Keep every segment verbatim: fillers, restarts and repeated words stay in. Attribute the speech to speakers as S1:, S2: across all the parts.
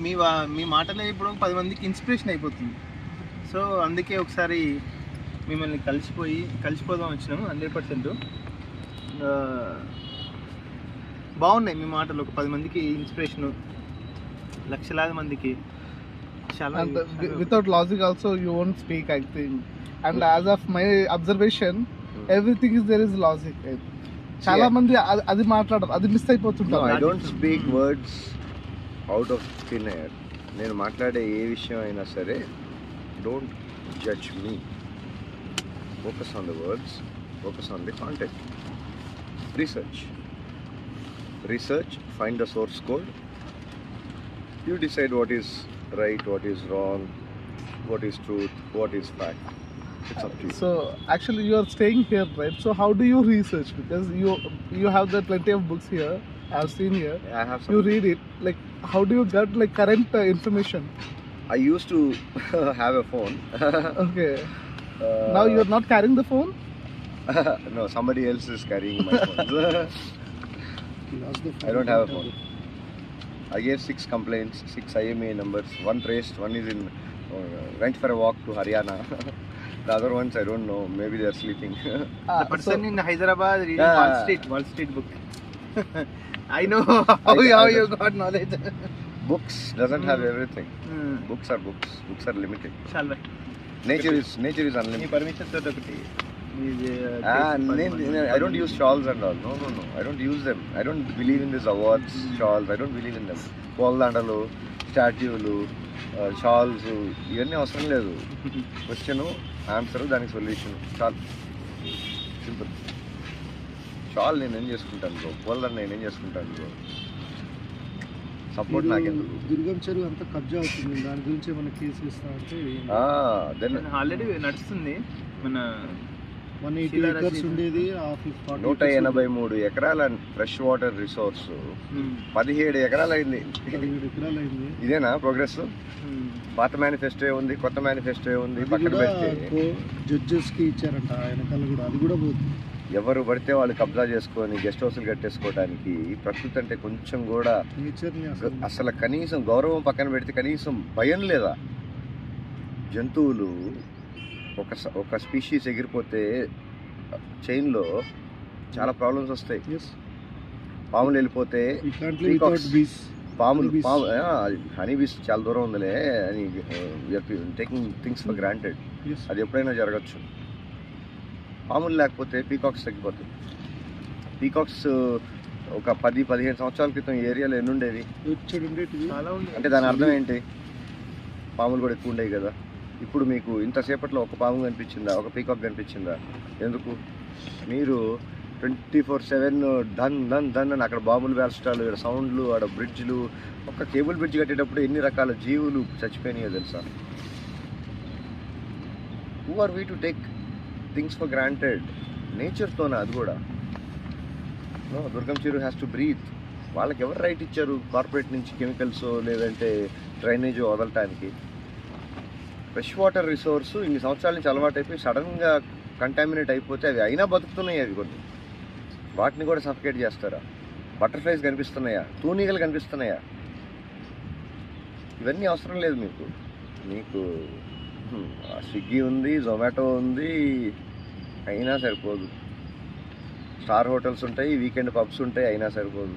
S1: మీ మీ మాటలే ఇప్పుడు పది మందికి ఇన్స్పిరేషన్ అయిపోతుంది. సో అందుకే ఒకసారి మిమ్మల్ని కలిసిపోయి కలిసిపోదాం వచ్చినాము. హండ్రెడ్ పర్సెంట్ బాగున్నాయి మీ మాటలు. ఒక పది మందికి ఇన్స్పిరేషను, లక్షలాది మందికి.
S2: And uh, without logic also you won't speak, I think. And as of my observation, everything is there is logic. చాలా మంది అది మాట్లాడరు, అది మిస్ అయిపోతుంటారు.
S3: I don't speak words out of thin air. నేను మాట్లాడే ఏ విషయం అయినా సరే don't judge me. Focus on the words, focus on the content. Research research find the source code. You decide what is right, what is wrong, what is truth, what is fact. It's up to you.
S2: So actually you are staying here, right? So how do you research? Because you you have the plenty of books here, I have seen here.
S3: I have some.
S2: You read it. Like how do you get like current uh, information?
S3: I used to have a phone.
S2: Okay.
S3: Uh,
S2: now you are not carrying the phone?
S3: No, somebody else is carrying my phone. I don't have a phone. I gave six complaints, six I M E I numbers. One traced, one is in, uh, went for a walk to Haryana. The other ones I don't know, maybe they are sleeping.
S1: Ah, the person so, in Hyderabad reading
S3: yeah.
S1: Wall Street, Wall Street book. I know how, I, how I, you got knowledge.
S3: Books doesn't
S1: mm.
S3: have everything.
S1: Mm.
S3: Books are books. Books are limited.
S1: Shall we?
S3: Nature is nature is unlimited.
S1: Permission to talk to
S3: Ah, I don't use shawls and all. No, no, no. I don't use them. I don't believe in these awards, shawls. I don't believe in them. Poldandalu, స్టాట్యూలు, shawls ఇవన్నీ అవసరం లేదు. Question, answer, దానికి solution చాలు. Simple. Shawl నేను ఏం చేసుకుంటాను bro, పోల్దండ నేను ఏం చేసుకుంటాను బ్రో, సపోర్ట్ నాకెందుకు.
S2: దుర్గం చెరువు అంతా కబ్జా అవుతుంది, దాని గురించి ఏమైనా కేసు ఇస్తా అంటే
S1: ఆల్రెడీ నడుస్తుంది. మన
S3: నూట ఎనభై మూడు ఎకరాల ఫ్రెష్ వాటర్ రిసోర్స్ పదిహేడు ఎకరాలు అయింది. ఇదేనా ప్రోగ్రెస్? పాత మేనిఫెస్టో ఉంది, కొత్త మేనిఫెస్టో ఉంది. పక్కన పెడితే
S2: జడ్జెస్ కి ఇచ్చారంట, వెనకాల కూడా అది కూడా పోతుంది.
S3: ఎవరు పడితే వాళ్ళు కబ్జా చేసుకొని గెస్ట్ హౌస్లు కట్టేసుకోవడానికి ప్రకృతి అంటే కొంచెం కూడా అసలు కనీసం గౌరవం పక్కన పెడితే కనీసం భయం లేదా? జంతువులు ఒక ఒక స్పీషీస్ ఎగిరిపోతే చైన్లో చాలా ప్రాబ్లమ్స్ వస్తాయి. పాములు వెళ్ళిపోతే పాములు పాము హనీ బీస్ చాలా దూరం ఉందిలే అని టేకింగ్ థింగ్స్ ఫర్ గ్రాంటెడ్. అది ఎప్పుడైనా జరగచ్చు. పాములు లేకపోతే పీకాక్స్ తగ్గిపోతాయి. పీకాక్స్ ఒక పది పదిహేను సంవత్సరాల క్రితం ఈ ఏరియాలో ఎన్ని ఉండేవి అంటే దాని అర్థం ఏంటి? పాములు కూడా ఎక్కువ ఉండేవి కదా. ఇప్పుడు మీకు ఇంతసేపట్లో ఒక పాము కనిపించిందా, ఒక పీకాక్ కనిపించిందా? ఎందుకు? మీరు ట్వంటీ ఫోర్ సెవెన్ ధన్ ధన్ ధన్ అని అక్కడ బాంబులు వేల్చడాలు, ఇక్కడ సౌండ్లు, ఆడ బ్రిడ్జ్లు. ఒక కేబుల్ బ్రిడ్జ్ కట్టేటప్పుడు ఎన్ని రకాల జీవులు చచ్చిపోయినాయో తెలుసా? Who are we to take things for granted? నేచర్తోనే అది కూడా. నో, దుర్గం చెరువు హ్యాస్ టు బ్రీత్. వాళ్ళకి ఎవరు రైట్ ఇచ్చారు కార్పొరేట్ నుంచి కెమికల్స్ లేదంటే డ్రైనేజ్ వదలటానికి? ఫ్రెష్ వాటర్ రిసోర్స్ ఇన్ని సంవత్సరాల నుంచి అలవాటు అయిపోయి సడన్గా కంటామినేట్ అయిపోతే అవి అయినా బతుకుతున్నాయి. అవి కొన్ని వాటిని కూడా సఫికేట్ చేస్తారా? బటర్ఫ్లైస్ కనిపిస్తున్నాయా? తూనీగలు కనిపిస్తున్నాయా? ఇవన్నీ అవసరం లేదు మీకు. మీకు స్విగ్గీ ఉంది, జొమాటో ఉంది, అయినా సరిపోదు. స్టార్ హోటల్స్ ఉంటాయి, వీకెండ్ పబ్స్ ఉంటాయి, అయినా సరిపోదు.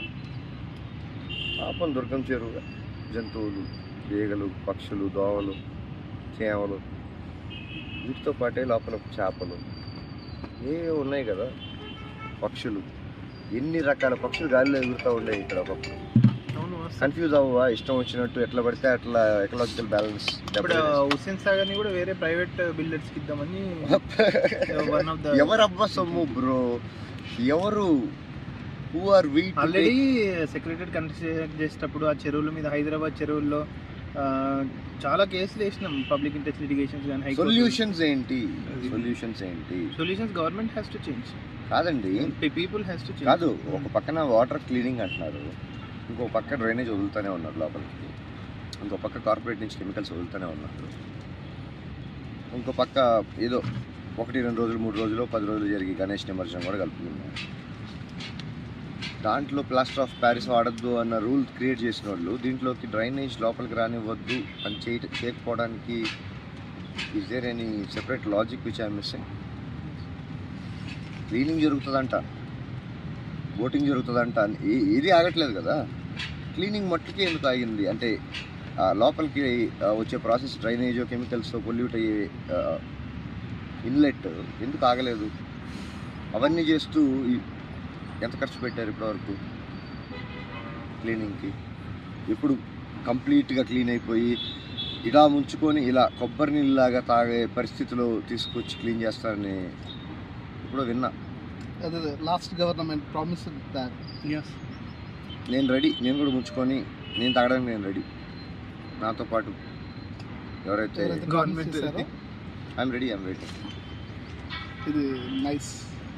S3: పాపం దుర్గం చెరువు జంతువులు, ఈగలు, పక్షులు, దోమలు, చేమలు, వీటితో పాటే లోపల చేపలు ఏ ఉన్నాయి కదా, పక్షులు. ఎన్ని రకాల పక్షులు గాలిలో ఎగురుతూ ఉండేవి ఇక్కడ ఒకప్పుడు. కన్ఫ్యూజ్ అవ్వవా? ఇష్టం వచ్చినట్టు ఎట్లా పడితే అట్లా ఎకలాజికల్ బ్యాలెన్స్.
S1: హుస్సేన్ సాగర్ ని కూడా వేరే ప్రైవేట్ బిల్డర్స్ కి ఇద్దామని.
S3: ఎవరు అబ్బా సొమ్ము బ్రో? ఎవరు? Who are we?
S1: Already secretary construct చేసేటప్పుడు ఆ చెరువుల మీద, హైదరాబాద్ చెరువుల్లో చాలా కేసులు వేసినాం. పబ్లిక్ ఇంట్రెస్ట్ లిటిగేషన్స్ కానీ.
S3: సొల్యూషన్స్ ఏంటి? సొల్యూషన్స్ ఏంటి?
S1: Solutions government has to change.
S3: కాదండి,
S1: పీపుల్ హ్యాస్ టు చేంజ్.
S3: కాదు, ఒక పక్కన వాటర్ క్లీనింగ్ అంటున్నారు, ఇంకో పక్క డ్రైనేజ్ వదులుతూనే ఉన్నారు లోపలికి, ఇంకో పక్క కార్పొరేట్ నుంచి కెమికల్స్ వదులుతూనే ఉన్నారు, ఇంకో పక్క ఏదో ఒకటి రెండు రోజులు మూడు రోజులు పది రోజులు జరిగి గణేష్ నిమజ్జనం కూడా కలుపుతున్నారు. దాంట్లో ప్లాస్టర్ ఆఫ్ ప్యారిస్ వాడద్దు అన్న రూల్ క్రియేట్ చేసిన వాళ్ళు దీంట్లోకి డ్రైనేజ్ లోపలికి రానివ్వద్దు అని చేయ చేయకపోవడానికి is there any separate logic which I'm missing? Cleaning జరుగుతుందంట, బోటింగ్ జరుగుతుందంట, ఏ- ఏది ఆగట్లేదు కదా. క్లీనింగ్ మట్టుకే ఎందుకు ఆగింది అంటే ఆ లోపలికి ఆ, వచ్చే ప్రాసెస్ డ్రైనేజ్ కెమికల్స్ పొల్యూట్ అయ్యే ఇన్లెట్ ఎందుకు ఆగలేదు? అవన్నీ చేస్తూ ఈ- ఎంత ఖర్చు పెట్టారు ఇప్పటివరకు క్లీనింగ్కి? ఎప్పుడు కంప్లీట్గా క్లీన్ అయిపోయి ఇలా ముంచుకొని ఇలా కొబ్బరి నీళ్ళలాగా తాగే పరిస్థితిలో తీసుకొచ్చి క్లీన్ చేస్తారని ఇప్పుడు విన్నా.
S2: అదే లాస్ట్ గవర్నమెంట్ ప్రామిస్ దాట్.
S3: నేను రెడీ, నేను కూడా ముంచుకొని నేను తాగడానికి నేను రెడీ. నాతో పాటు ఎవరైతే
S1: government
S3: I'm ready I'm ready.
S2: ఇది నైస్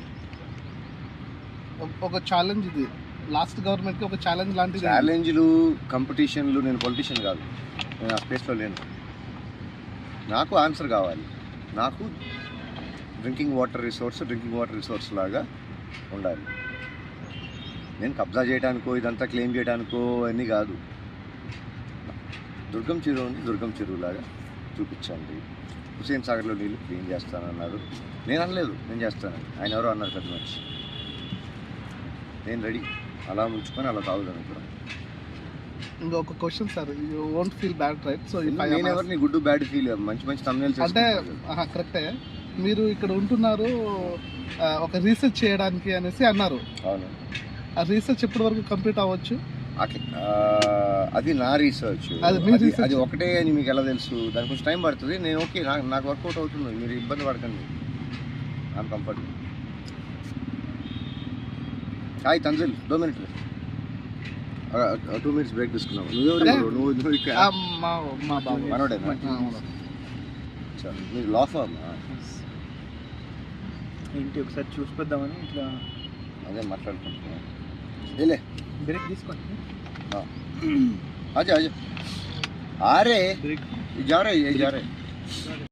S2: ఒక ఛాలెంజ్. ఇది లాస్ట్ గవర్నమెంట్ కి ఒక ఛాలెంజ్ లాంటిది.
S3: ఛాలెంజ్లు కాంపిటీషన్లు, నేను పొలిటీషియన్ కాదు, నేను ఆ స్పేస్లో లేను. నాకు ఆన్సర్ కావాలి. నాకు drinking water resource drinking water resource లాగా ఉండాలి. నేను కబ్జా చేయడానికో ఇదంతా క్లెయిమ్ చేయడానికో అన్నీ కాదు. దుర్గం చెరువు ఉంది, దుర్గం చెరువు లాగా చూపించండి. హుసేన్ సాగర్లో నీళ్ళు క్లీన్ చేస్తానన్నారు, నేను అనలేదు నేను చేస్తానని. ఆయన ఎవరో అన్నారు పెద్ద మనిషి. నేను రెడీ, అలా ముంచుకొని అలా తాగుదాను ఇప్పుడు.
S2: ఇంకొక question sir, you won't feel bad right? So
S3: నేను ఎవరిని గుడ్ బ్యాడ్ ఫీల్, మంచి మంచి thumbnails
S2: అంటే
S3: వేసుకుంటాను.
S2: కరెక్టే, మీరు ఇక్కడ ఉంటున్నారు ఆ, ఒక రీసెర్చ్ చేయడానికి అనేసి అన్నారు.
S3: అవును,
S2: ఆ రీసెర్చ్ ఎప్పటి వరకు కంప్లీట్ అవ్వచ్చు?
S3: అట్లా ఆ, అది నా రీసెర్చ్.
S2: అది మీ
S3: అది
S2: research.
S3: అది ఒకటే అని మీకు ఎలా తెలుసు? దానికి కొంచెం టైం పడుతుంది. నేను ఓకే, నాకు నాకు వర్కౌట్ అవుతుంది, మీరు ఇబ్బంది పడకండి. I'm comfort. Hi Tanzil, two minutes two minutes break తీసుకున్నావు. నువ్వెవరు?
S2: అదే.
S3: నువ్వు నువ్వు ఇక్కడ
S2: ఆ, మా మా బాబు
S3: మనోడేనా?
S2: ఆ, అవును.
S3: చా, మీరు లా ఫర్మ్?
S1: ఏంటి ఒకసారి చూసిపోద్దామని ఇట్లా
S3: అదే మాట్లాడుకుంటున్నాను. ఏలే
S1: బ్రేక్ తీసుకోండి.
S3: आजा आजा आ रहे
S1: ब्रेक
S3: जा रहे ये जा रहे